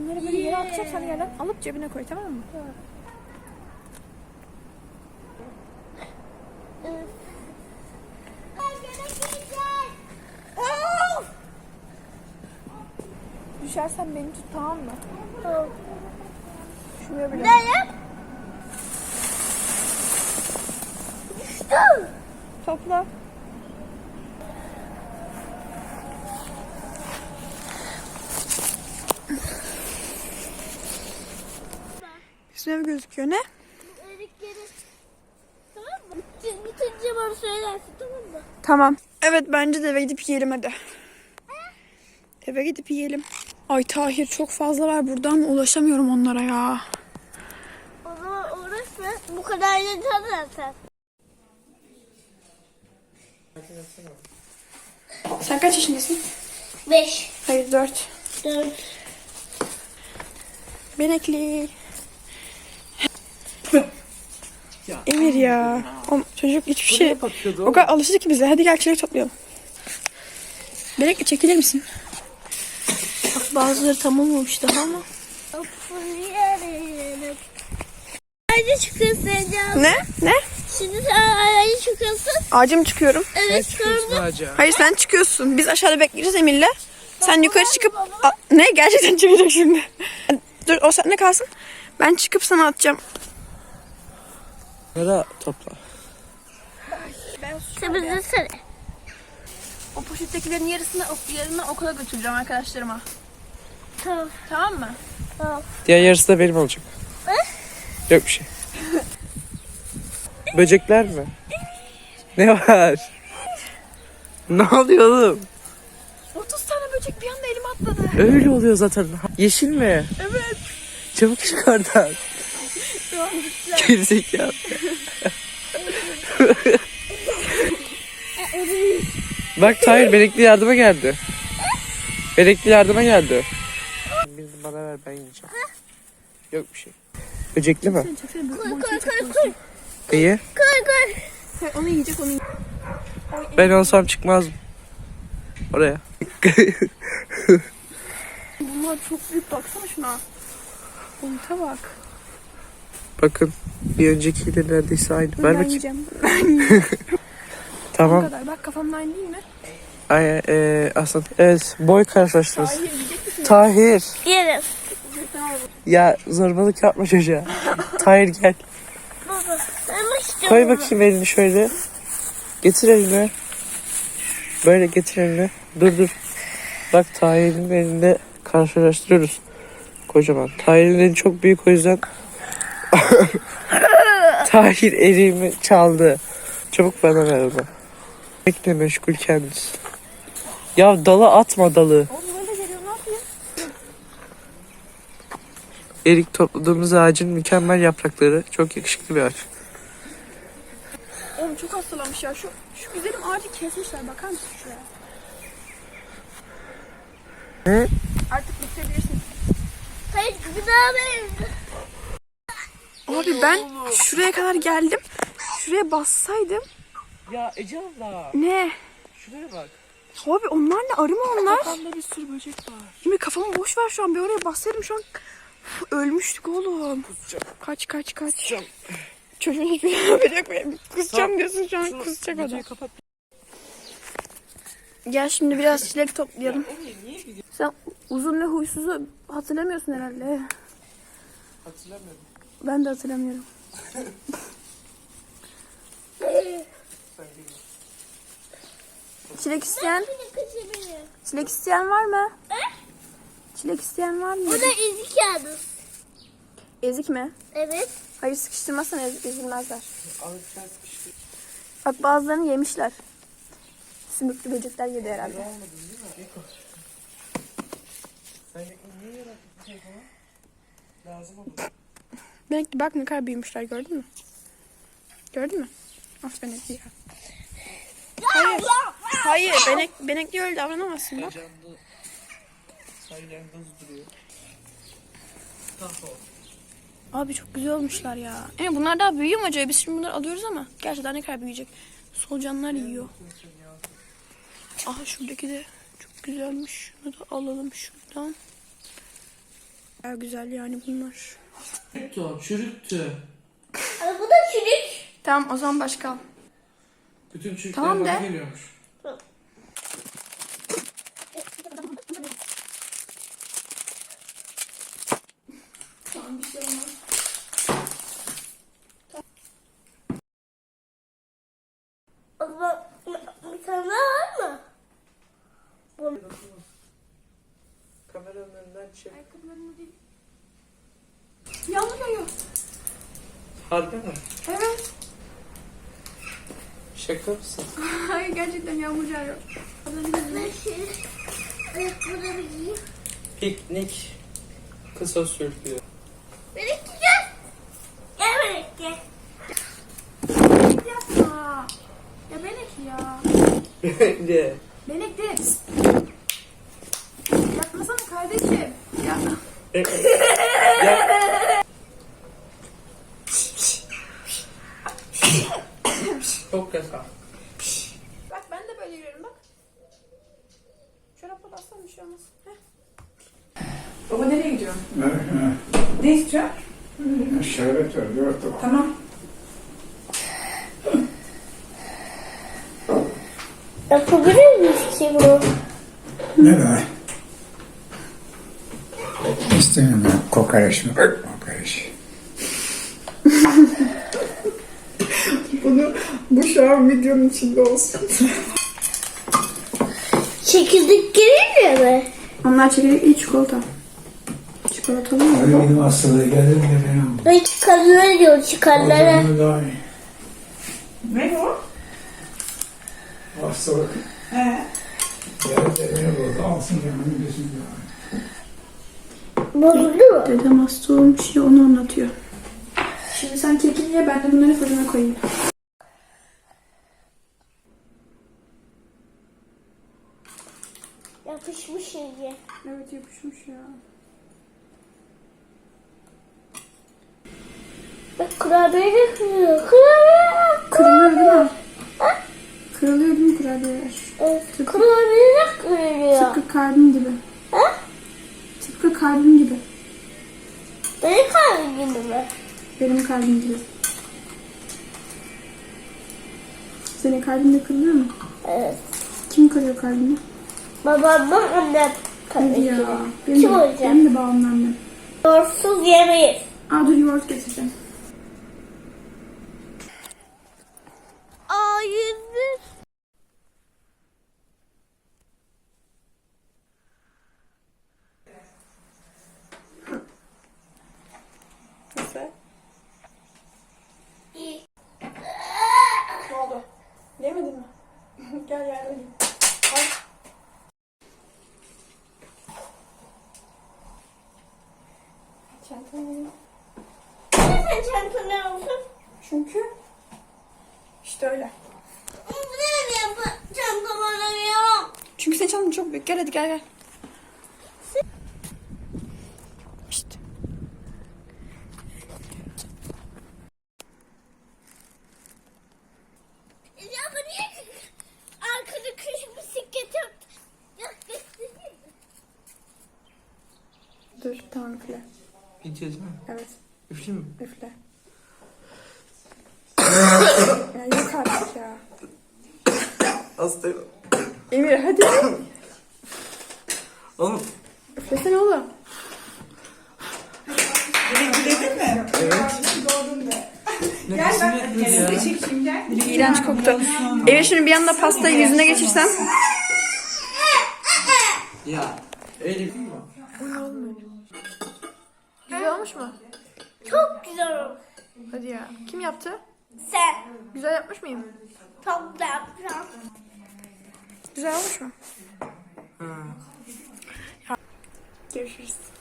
Bunları böyle yere atacaksan yerden alıp cebine koy, tamam mı? Tamam. Düşersen beni tut, tamam mı? Tamam. Şuraya bile. Ne yap? Düştüm. Topla. Üstüne mi gözüküyor, ne? Erikleri. Tamam mı? Bitince bana söylersin, tamam mı? Tamam. Evet, bence de eve gidip yiyelim hadi. Eve gidip yiyelim. Ay Tahir, çok fazla var burada ama ulaşamıyorum onlara ya. O zaman uğraşma. Bu kadar yeter zaten. Sen kaç yaşındasın? 5, Hayır, 4. 4. Benekli. Emir ya. O çocuk hiçbir şey... O kadar alıştı ki bize. Hadi gel çilek toplayalım. Benekli, çekilir misin? Bak, bazıları tam olmamış daha ama. Ağaca çıkıyorsun Ecem. Ne? Ne? Şimdi sen ağaca çıkıyorsun. Ağaca mı çıkıyorum? Evet, sonra. Hayır, sen çıkıyorsun. Biz aşağıda bekleyeceğiz Emir'le. Sen yukarı çıkıp... Ne? Gerçekten çıkacak şimdi. Dur, o sende kalsın. Ben çıkıp sana atacağım. Nere topla? Temizlesene. O poşettekilerin yarısını okula götüreceğim arkadaşlarıma. Tamam. Tamam mı? Tamam. Diğer yarısı da benim olacak. Yok bir şey. Böcekler mi? Ne var? Ne oluyor oğlum? 30 tane böcek bir anda elime atladı. Öyle oluyor zaten. Yeşil mi? Evet. Çabuk çık oradan. Gerizekalı. Bak Tahir, Benekli yardıma geldi. Benekli yardıma geldi. Birini bana ver, ben yiyeceğim. Yok bir şey. Böcekli mi? Koy. İyi. Koy. Onu yiyecek, onu yiyecek. Ben olsam çıkmazdım. Oraya. Bunlar çok büyük, baksana şuna. Boyuta bak. Bakın, bir öncekiyle neredeyse aynı. Ver Ben bakayım. yiyeceğim. Bu Tamam. kadar. Bak, kafamla aynı değil mi? Ay, aslında evet, boy karşılaştırırız. Tahir, yiyecek misin? Tahir. Yerim. Ya zorbalık yapma çocuğa. Tahir gel. Baba. Ben istiyorum. Koy bakayım elini şöyle. Getir elini. Böyle getir elini. Dur. Bak, Tahir'in elinde karşılaştırıyoruz. Kocaman. Tahir'in eli çok büyük, o yüzden Tahir elimi çaldı. Çabuk bana ver onu. Bekle, meşgul kendisi. Ya dala atma dalı. Oğlum böyle geliyor, ne yapıyor? Erik topladığımız ağacın mükemmel yaprakları. Çok yakışıklı bir ağaç. Oğlum çok hastalanmış ya. Şu güzelim ağacı kesmişler. Bakar mısın şuraya? Hı? Artık bitirebilirsin. Hayır, bir daha verin. Abi ben şuraya kadar geldim. Şuraya bassaydım. Ya Ece abla. Ne? Şuraya bak. Abi onlar ne? Arı mı onlar? Kafamda bir sürü böcek var. Yemin, kafamı boş ver şu an. Bir oraya bassaydım şu an ölmüştük oğlum. Kaç. Kusacağım. Çocuğun hiçbir şey haberi yok. Kusacağım diyorsun, şu an kusacak adam. Kapat. Gel şimdi biraz çilek toplayalım. Sen uzun ve huysuzu hatırlamıyorsun herhalde. Hatırlamıyorum. Ben de hatırlamıyorum. Çilek isteyen? Çilek isteyen var mı? Çilek isteyen var mı? Bu da ezik yalnız. Ezik mi? Evet. Hayır, sıkıştırmazsan ezilmezler. Abi sen sıkıştı. Bak, bazılarını yemişler. Sümüklü böcekler yedi herhalde. Almadın değil mi? Sen niye yarattın bu telefonu? Lazım olur. Belki bak ne kadar büyümüşler, gördün mü? Gördün mü? Aferin ya. Hayır, benekli öyle davranamazsın bak. Canlı sayılarında hız duruyor. Abi çok güzel olmuşlar ya. Bunlar daha büyüyor mu acaba? Biz şimdi bunları alıyoruz ama gerçekten ne kadar büyüyecek. Solucanlar yiyor. Aha, şuradaki de çok güzelmiş. Şunu da alalım şuradan. Ya güzel yani bunlar. Çürüktü. Ama bu da çürük. Tamam o zaman başka al. Bütün çürükler Tamam bana de. geliyormuş. Tamam bir şey olmaz. O zaman bir tane daha var mı? Kameranın önünden çek. Yağmur yağıyor. Harbi mi? Evet. Şaka mısın? Hayır gerçekten yağmur yağıyor. Ben şöyle ayakkabıları giyeyim. Piknik. Kısa sürtüyor. Melek gel. Gel Melek gel. Yapma. Ya Melek ya. Ne? Melek de. Yapmasana kardeşim. Ya. Çok yasak. Bak ben de böyle yürüyorum bak. Çorapla bassana bir şey olmaz. Heh. Baba nereye gidiyorsun? Ha, Ne istiyorsun? şerbet ver, yoğurt da var. Tamam. Yapabilir miyiz ki bunu? Ne be? İstemiyorum ben kokoreç mi? Kokoreç. Bu şu an videonun içinde olsun. Çekirdek gelir mi? Onlar çekirdekli çikolata. Çikolatalı mı? Öyle benim hastalığı gelir mi benim? Ben çıkarlara diyor O çıkarlara. zaman daha iyi. Ne o? Hastalık gelir de beni burada alsın canını gözünü yani. Bozuldu mu? Dedem hasta olmuş ya onu anlatıyor. Şimdi sen kekini ye ben de bunları fırına koyayım. Yapışmış iyice. Evet yapışmış ya. Bak kurabiye de kırıyor. Kurabiye. Kırılıyor değil mi? Kırılıyor değil mi kurabiyeler? Evet, kurabiye de kırıyor. Tıpkı kalbim gibi. Ha? Tıpkı kalbim gibi. Benim kalbim gibi mi? Benim kalbim gibi. Senin kalbin de kırılıyor mu? Evet. Kim kırıyor kalbini? Babamla annem Hadi kalbim ya. gibi. Benim Kim de, olacak? benim de babamla annem. Yoğurtsuz yemeyiz. Aa dur yoğurt getireceğim. Aa 101. Nasıl? İyi. Ne oldu? Yemedin mi? Gel yardım edeyim. Al. Çantanı alayım. Neden çantanı aldın? Çünkü işte öyle. Neden çantam alamıyorum? Çünkü senin çantan çok büyük. Gel hadi gel gel. İşte. Ya bu niye arkada kış bisiklet yaptı? Ya göstereyim mi? Dur tamam üfle. Gideceğiz mi? Evet Üfleyeyim mi? üfle. Ya yok artık ya. Hastayım. Emir hadi. Oğlum. Üflesene oğlum. Dedin mi? Nefesim yetmedi ya. Sizi çekeyim gel. İğrenç koktu. Emir şimdi bir anda pastayı yüzüne geçirsem. Ya. Öyle değil mi? Güzel olmuş mu? Çok güzel olmuş. Hadi ya. Kim yaptı? Sen Güzel yapmış mıyım? çok da yapacağım. Güzel olmuş mu? Ha. Görüşürüz.